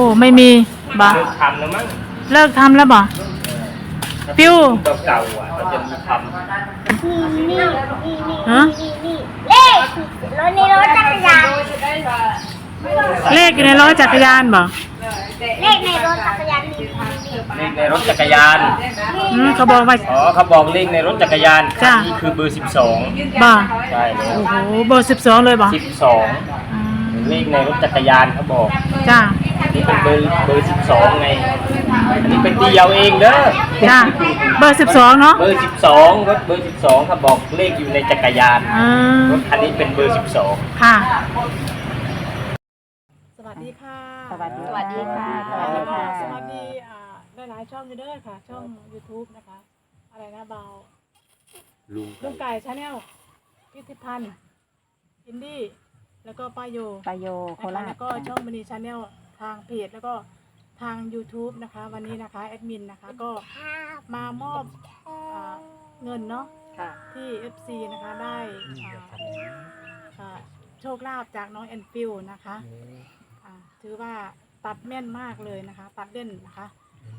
ไม่มีบ่เลิกทำแล้วมั้งเลิกทำแล้วบ่ปิ้วเก่าๆเขาจะมีทำนี่ฮะเลขรถในรถจักรยานเลขอยู่ในรถจักรยานบ่เลขในรถจักรยานมีเลขในรถจักรยานเขาบอกว่าอ๋อเขาบอกเลขในรถจักรยานจ้ะนี่คือเบอร์ 12 บ่ใช่เลยโอ้โหเบอร์12เลยบ่ 12เลขในรถจักรยานเขาบอกจ้านี่เป็นเบอร์ 12ไงอันนี้เป็นตีเอาเองเด้อจ้าเบอร์12เนาะเบอร์ 12รถเบอร์ 12เขาบอกเลขอยู่ในจักรยานรถคันนี้เป็นเบอร์ 12 ค่ะสวัสดีค่ะสวัสดีสวัสดีค่ะสวัสดีค่ะสวัสดีหลายๆช่องอยู่เด้อค่ะ ช่อง YouTube นะคะ อะไรนะเบาลุงไก่ชาแนลพิธิพันธ์อินดี้แล้วก็ป้าโยปายโยโคราชแล้วก็ช่องมณีชาแนลทางเพจแล้วก็ทาง YouTube นะคะ วันนี้นะคะแอดมินนะคะก็มามอบเงินเนาะค่ะที่ FC นะคะได้โชคลาภจากน้องแอนฟิลนะคะถือว่าตัดแม่นมากเลยนะคะ ตัดเล่นนะคะ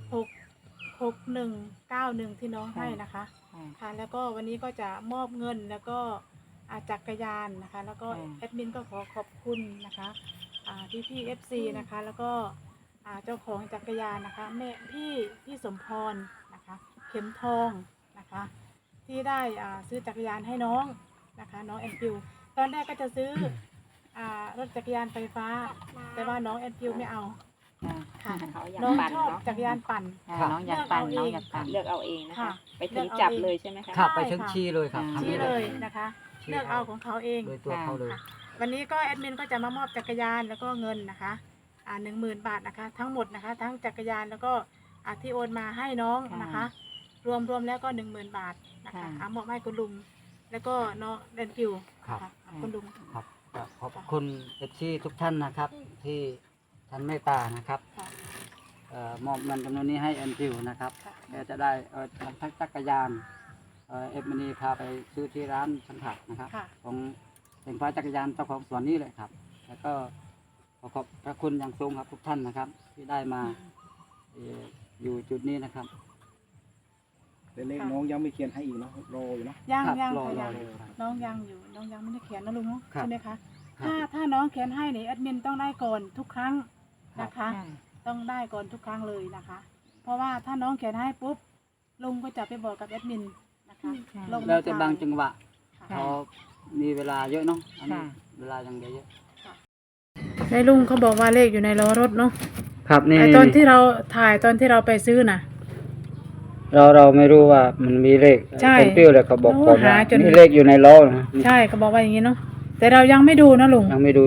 6191ที่น้องให้นะคะค่ะแล้วก็วันนี้ก็จะมอบเงินแล้วก็จักรยานนะคะ แล้วก็แอดมินก็ขอขอบคุณนะคะพี่FC นะคะแล้วก็เจ้าของจักรยานนะคะแม่พี่สมพรนะคะเข็มทองนะคะที่ได้ซื้อจักรยานให้น้องนะคะน้องแอนฟิลตอนแรกก็จะซื้อรถจักรยานไฟฟ้าแต่ว่าน้องแอนฟิลไม่เอาค่ะเขาอยากน้องปั่นชอบเนาะจักรยานปั่นน้องอยากปั่นเลืน้ออก งเอาเองอยากปั่นเลือกเอาเองนะคะค่ะไปถึงจับเลยใช่ไหมคะครับไปถึงชี้เลยครับชี้เลยนะคะ เลือกเอาของเขาเองโดยตัวเขาเลยวันนี้ก็แอดมินก็จะมามอบจักรยานแล้วก็เงินนะคะ10,000 บาทนะคะ ทั้งหมดนะคะ ทั้งจักรยานแล้วก็ที่โอนมาให้น้องนะคะ รวมแล้วก็10,000 บาทนะคะมอบให้คุณลุงแล้วก็น้องแดนฟิวครับคุณลุงครับก็ขอบคุณเอฟซีทุกท่านนะครับ ที่ท่านเมตตานะครับค่ะมอบเงินจำนวนนี้ให้แอนฟิวนะครับค่ะแกจะได้ทั้งจักรยานเอฟมณีพาไปซื้อที่ร้านสันถักนะครับค่ะของเสียงฟ้าจักรยานเจ้าของสวนนี้เลยครับ แล้วก็ขอขอบพระคุณอย่างสูงครับทุกท่านนะครับ ที่ได้มาอยู่จุดนี้นะครับแต่เลขน้องยังไม่เขียนให้อีกเนาะรออยู่เนาะยังครับยังรอค่ะยังเลยครับน้องยังอยู่น้องยังไม่ได้เขียนนะลุงเนาะครับใช่ไหมคะครับถ้าน้องเขียนให้เนี่ยแอดมินต้องได้ก่อนทุกครั้งนะคะค่ะต้องได้ก่อนทุกครั้งเลยนะคะ เพราะว่าถ้าน้องเขียนให้ปุ๊บลุงก็จะไปบอกกับแอดมินนะคะลงแล้วแต่บางจังหวะค่ะพอมีเวลาเยอะเนาะอันนี้ค่ะเวลายังเยอะในลุงเขาบอกว่าเลขอยู่ในล้อรถเนาะครับนี่ไอตอนที่เราถ่ายตอนที่เราไปซื้อน่ะเราไม่รู้ว่ามันมีเลขใช่คนเปรี้ยวเลยเขาบอกก่อนว่าหาจนมีเลขอยู่ในล้อนะใช่เขาบอกว่าอย่างนี้เนาะแต่เรายังไม่ดูนะลุงยังไม่ดู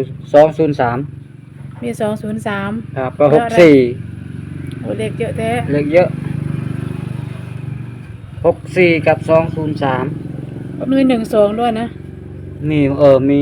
203 มี203 ครับก็แล้วอะไร 64 โอ้เลขเยอะแท้เลขเยอะ64กับ203 มี12ด้วยนะมีมี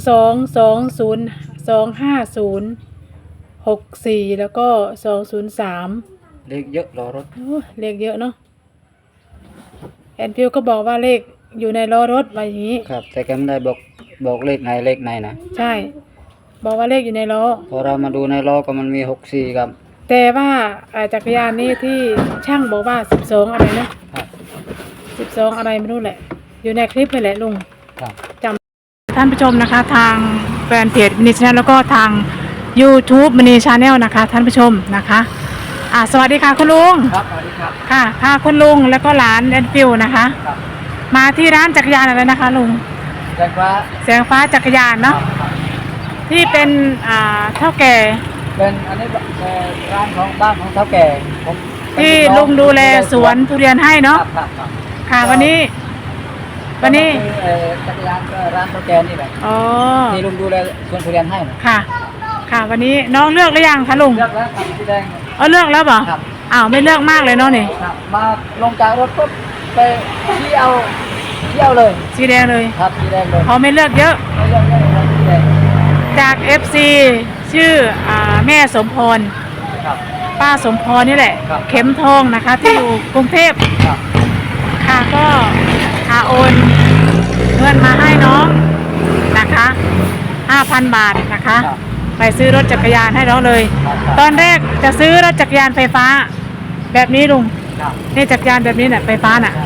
122025064แล้วก็203 เลขเยอะรอรถโอ้เลขเยอะเนาะแอนฟิวก็บอกว่าเลขอยู่ในล้อรถว่าอย่างนี้ครับ แต่แกไม่ได้บอกเลขไหนนะใช่ บอกว่าเลขอยู่ในล้อพอเรามาดูในล้อก็มันมี64ครับแต่ว่าจักรยานนี้ที่ช่างบอกว่า12อะไรนะครับ 12อะไรไม่รู้แหละ อยู่ในคลิปเลยแหละลุงครับท่านผู้ชมนะคะ ทางแฟนเพจมินิชาแนลแล้วก็ทาง YouTube มินิชาแนลนะคะ ท่านผู้ชมนะคะสวัสดีค่ะคุณลุงครับสวัสดีครับค่ะพาคุณลุงแล้วก็หลานแอนฟิวนะคะครับมาที่ร้านจักรยานอะไรนะคะลุงแจ้งว่าแสงฟ้าจักรยานเนาะที่เป็นเท่าแก่เป็นอันนี้ร้านของบ้านของเฒ่าแก่ผมเป็นที่น้อลุงดูแลสวนทุเรียนให้ครัเนาะบครับครับค่ะวันนี้จักรยานก็ร้านเฒ่าแก่นี่แหละอ๋อที่ลุงดูแลสวนทุเรียนให้นะค่ะ ค่ะวันนี้น้องเลือกหรือยังคะลุงเลือกแล้วครับสีแดงเลือกแล้วเปล่าครับอ้าวไม่เลือกมากเลยเนาะนี่ครับมาลงจากรถปุ๊บไปชี้เอาเลยสีแดงเลยครับสีแดงเลยเขาไม่เลือกเยอะไม่เลือกเลยครับสีแดงจาก FC ชื่อแม่สมพรครับป้าสมพรนี่แหละครับเข็มทองนะคะ ที่อยู่กรุงเทพครับค่ะก็โอนเงินมาให้น้องนะคะ 5,000 บาทนะคะครับไปซื้อรถจักรยานให้น้องเลย ตอนแรกจะซื้อรถจักรยานไฟฟ้า แบบนี้ลุงครับนี่จักรยานแบบนี้น่ะไฟฟ้าน่ะ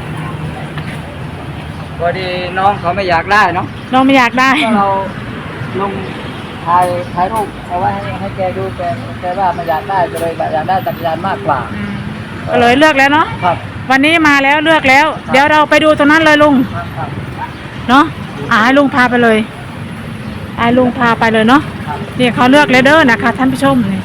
พอดีน้องเขาไม่อยากได้เนาะน้องไม่อยากได้ก็เราลงถ่ายรูปเอาไว้ให้แกดูแกว่าไม่อยากได้ก็เลยอยากได้จักรยานมากกว่าก็เลยเลือกแล้วเนาะครับวันนี้มาแล้วเลือกแล้ว เดี๋ยวเราไปดูตรงนั้นเลยลุงครับเนาะให้ลุงพาไปเลยให้ลุงพาไปเลยเนาะนี่เขาเลือกเลยเด้อนะคะท่านผู้ชมนี่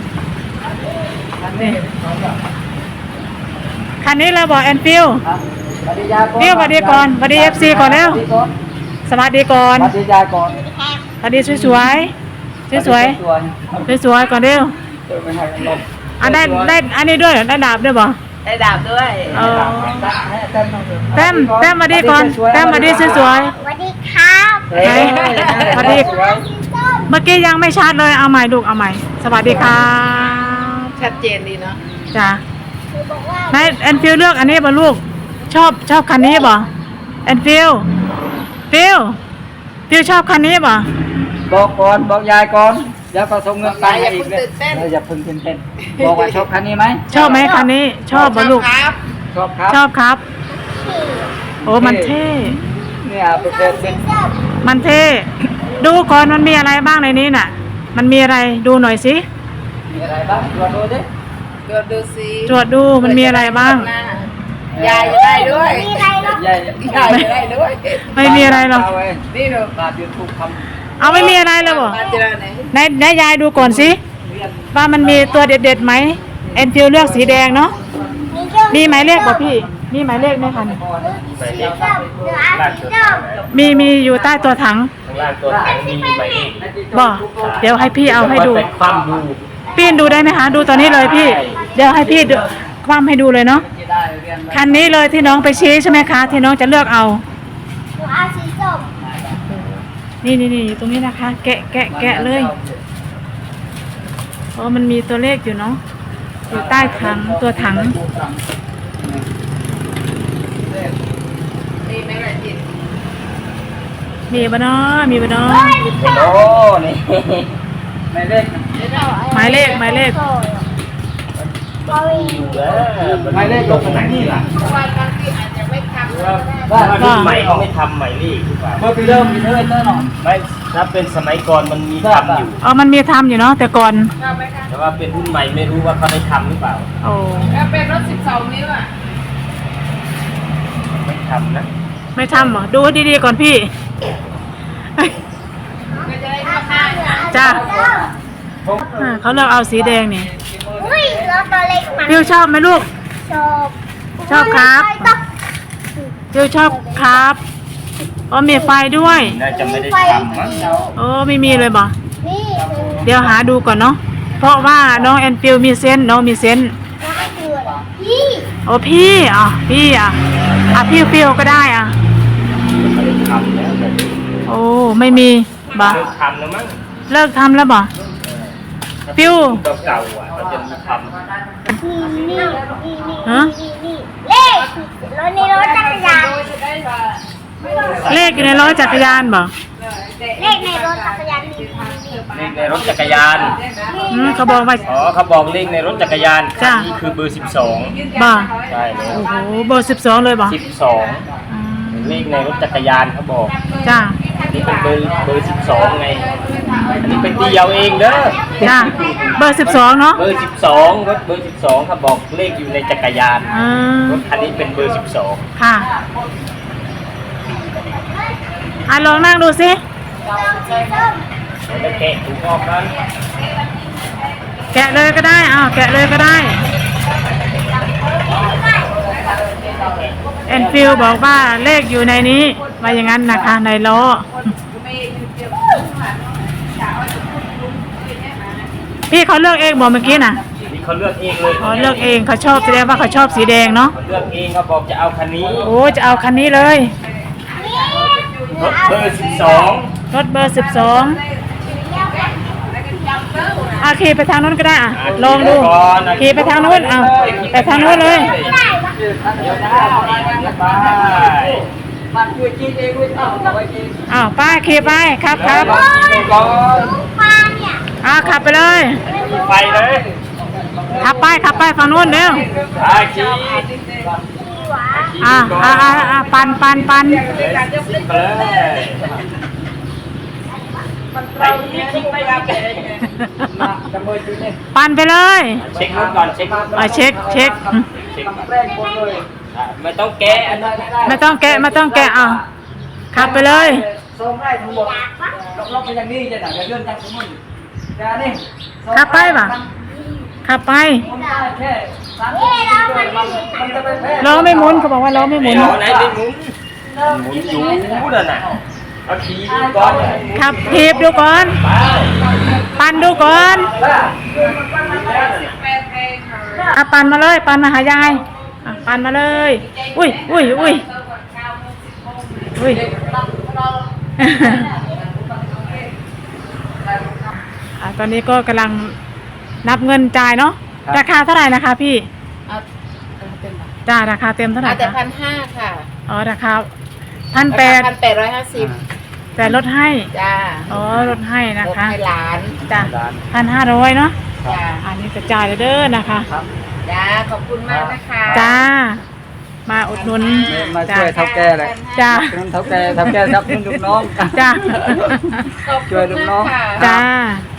คันนี้เราบอกแอนฟิลครับสวัสดียายฟิลสวัสดีก่อนสวัสดี FC ก่อนแล้ว สวัสดีก่อนสวัสดียายก่อนสวัสดีสวยๆสวยๆสวยๆก่อนเร็วไม่ให้ลมได้อันนี้ด้วยเหรอได้ดาบด้วยบ่ได้ดาบด้วยเออให้เต้นแต้มสวัสดีก่อนแต้มสวัสดีสวยสวัสดีครับเฮ้ยสวัสดี ๆเมื่อกี้ยังไม่ชัดเลยเอาใหม่ลูกเอาใหม่สวัสดีครับชัดเจนดีเนาะจ้ะคือบอกว่านายแอนฟิลเลือกอันนี้บ่ลูกชอบคันนี้บ่แอนฟิลชอบคันนี้บ่บอกก่อนบอกยายก่อนแล้วก็ส่งเงินไปให้อีกเลยอย่าเพิ่งตื่นเต้นบอกว่าชอบคันนี้ไหมชอบไหมคันนี้ ชอบบ่ลูกชอบครับชอบครับ โอ้มันเท่เนี่ยเป็นมันเท่ดูก่อนมันมีอะไรบ้างในนี้น่ะ มันมีอะไรดูหน่อยสิมีอะไรบ้างตรวจดูดิดูสิตรวจดูมันมีอะไรบ้างยายจะได้ด้วยมีอะไรหรอกยายยายจะได้ด้วยไม่มีอะไรหรอกนี่หนูตามยูทูบทเอาไม่มีอะไรเลยบ่มาเจอไหนไหนยายดูก่อนสิว่ามันมีตัวเด็ดๆไหมแอนฟิลเลือกสีแดงเนาะมีเจ้ามีหมายเลขบ่พี่มีหมายเลขไหมคะเนี่ยสีส้มเหลือสีส้มมีอยู่ใต้ตัวถังข้างล่างตัวถังมีหมายเลขบ่เดี๋ยวให้พี่เอาให้ดูไปคว่ำดูพี่ดูได้ไหมคะดูตอนนี้เลยพี่ เดี๋ยวให้พี่ดูคว่ำให้ดูเลยเนาะำจะได้เรียนคันนี้เลยที่น้องไปชี้ใช่ไหมคะที่น้องจะเลือกเอาหนูเอาสีส้มนี่อยู่ตรงนี้นะคะ แกะเลยโอ้มันมีตัวเลขอยู่เนาะอยู่ใต้ถังตัวถังนี่ไม่ได้จิตมีบ่เนาะมีบ่เนาะโอ้นี่ไม่เล่นหมายเลขบอวีอยู่แล้วมันลงไหนนี่ล่ะวันบางทีอาจจะไม่ทำว่าว่ารุ่นใหม่เขาไม่ทำหมายเลขหรือเปล่าเมื่อปีเริ่มมีเท่าไหร่หน่อยไม่ถ้าเป็นสมัยก่อนมันมีทำอยู่อ๋อมันมีทำอยู่เนาะแต่ก่อนชอบไหมคะแต่ว่าเป็นรุ่นใหม่ไม่รู้ว่าเขาได้ทำหรือเปล่าโอ้แล้วเป็นรถ12 นิ้วอ่ะไม่ทำนะไม่ทำเหรอดูให้ดีๆก่อนพี่ก็จะได้เข้าห้างจ้าเขาเลือกเอาสีแดงนี่อุ้ยรถตัวเล็กมันฟิวชอบไหมลูกชอบชอบครับ ฟิวชอบครับอ๋อมีไฟด้วยน่าจะไม่ได้ทำมั้งโอ้ไม่มีเลยบ่นี่เดี๋ยวหาดูก่อนเนาะเพราะว่าน้องแอนฟิลมีเซนส์น้องมีเซนส์ก็คือพี่โอ้พี่พี่พี่ฟิลก็ได้อ่ะไม่ได้ทำแล้วแบบนี้โอ้ไม่มีบ่เลิกทำแล้วมั้งเลิกทำแล้วบ่ ฟิวเก่าๆอ่ะเขาจะมีทำนี่ฮะนี่เลขรถนี่รถจักรยานเลขอยู่ในล้อจักรยานบ่เลขในรถจักรยานมีเลขในรถจักรยานเขาบอกว่าอ๋อเขาบอกเลขในรถจักรยานจ้ะนี่คือเบอร์ 12 บ่ใช่เลยโอ้โหเบอร์12เลยบ่ 12เลขในรถจักรยานเขาบอกจ้าอันนี้เป็นเบอร์ 12 ไง อันนี้เป็นตีเอาเองเด้อจ้าเบอร์12เนาะเบอร์ 12รถเบอร์ 12เขาบอกเลขอยู่ในจักรยานอ่ารถคันนี้เป็นเบอร์ 12 ค่ะลองนั่งดูสิแล้วแกะถุงออกนั้นแกะเลยก็ได้แกะเลยก็ได้แอนฟิลบอกว่าเลขอยู่ในนี้ว่าอย่างนั้นนะคะในล้อพี่เขาเลือกเองบอกเมื่อกี้น่ะนี่เขาเลือกเองเลยอ๋อเลือกเองเขาชอบแสดงว่าเขาชอบสีแดงเนาะเขาเลือกเองเขาบอกจะเอาคันนี้โอ้จะเอาคันนี้เลยรถเบอร์รถเบอร์12ขี่ไปทางนู้นก็ได้ลองดูขี่ไปทางนู้นไปทางนู้นเลย 12 ไปมันคือกินเองไม่ต้องเอาไว้กินป้าขี่ไปครับก่อนปลาเนี่ยขับไปเลยไปเลยขับไปฝั่งนู้นเร็วขี่ปั่นไปเลยไปปั่นไปเลยเช็ครถก่อนเช็ครถก่อนเช็คเช็คก่อนไม่ต้องแกะไม่ต้องแกะเอาขับไปเลยส่งได้ทั้งหมดล็อกไปอย่างนี้จะได้เรื่องจังสมมุติจะนี่ขับไปป่ะขับไปผมได้แค่30มันจะไปแพ้ล้อไม่หมุนเขาบอกว่าล้อไม่หมุนไหนไม่หมุนอยู่นั่นน่ะเอาขี่ดูก่อนขับถีบดูก่อนไปปั่นดูก่อน ปั่นมาเลยปั่นมาหายายปั่นมาเลยอุ้ยตอนนี้ก็กำลังนับเงินจ่ายเนาะราคาเท่าไหร่นะคะพี่เอาเต็มจ่ายราคาเต็มเท่าไหร่เอาแต่คะ 1,500ค่ะอ๋อราคา1,800 1,850 แต่ลดให้จ้าอ๋อลดให้นะรถคะให้หลานจ้ะ1,500เนาะจ้าอันนี้จะจ่ายเด้อนะคะจ้าขอบคุณมากนะคะจ้ามาอุดหนุนมาช่วยเท่าแก่เลยจ้าเท่าแก่ครับลูกน้องจ้าขอบคุณช่วยลูกน้องมากค่ะจ้าค